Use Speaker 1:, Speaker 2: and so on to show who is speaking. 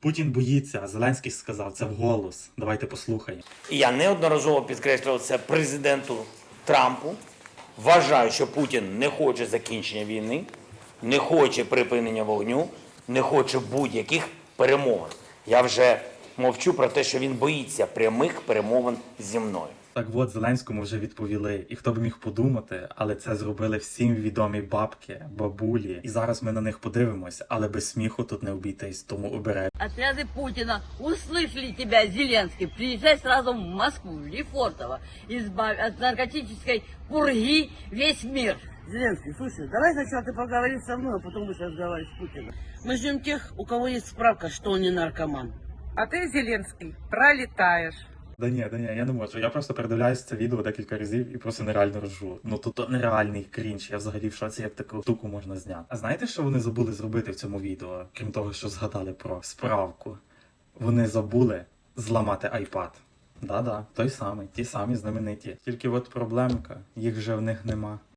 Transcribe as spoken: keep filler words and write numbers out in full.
Speaker 1: Путін боїться, а Зеленський сказав це вголос. Давайте послухаємо.
Speaker 2: І я неодноразово підкреслював це президенту Трампу. Вважаю, що Путін не хоче закінчення війни, не хоче припинення вогню, не хоче будь-яких перемовин. Я вже мовчу про те, що він боїться прямих перемовин зі мною.
Speaker 1: Так от, Зеленському вже відповіли. І хто б міг подумати, але це зробили всім відомі бабки, бабулі. І зараз ми на них подивимось, але без сміху тут не обійтись, тому обережно.
Speaker 3: Отряды Путина услышали тебя, Зеленский. Приезжай сразу в Москву, в Лефортово. Избавь от наркотической пурги весь мир.
Speaker 4: Зеленский, слушай, давай сначала ты поговоришь со мной, а потом будешь разговаривать с Путиным. Мы ждем тех, у кого есть справка, что он не наркоман.
Speaker 5: А ты, Зеленский, пролетаешь.
Speaker 1: Да ні, да ні, я не можу. Я просто передивляюсь це відео декілька разів і просто нереально ржу. Ну то, то нереальний крінж. Я взагалі в шоці, як таку штуку можна зняти. А знаєте, що вони забули зробити в цьому відео? Крім того, що згадали про справку. Вони забули зламати айпад. Да-да, той самий, ті самі знамениті. Тільки от проблемка, їх вже в них нема.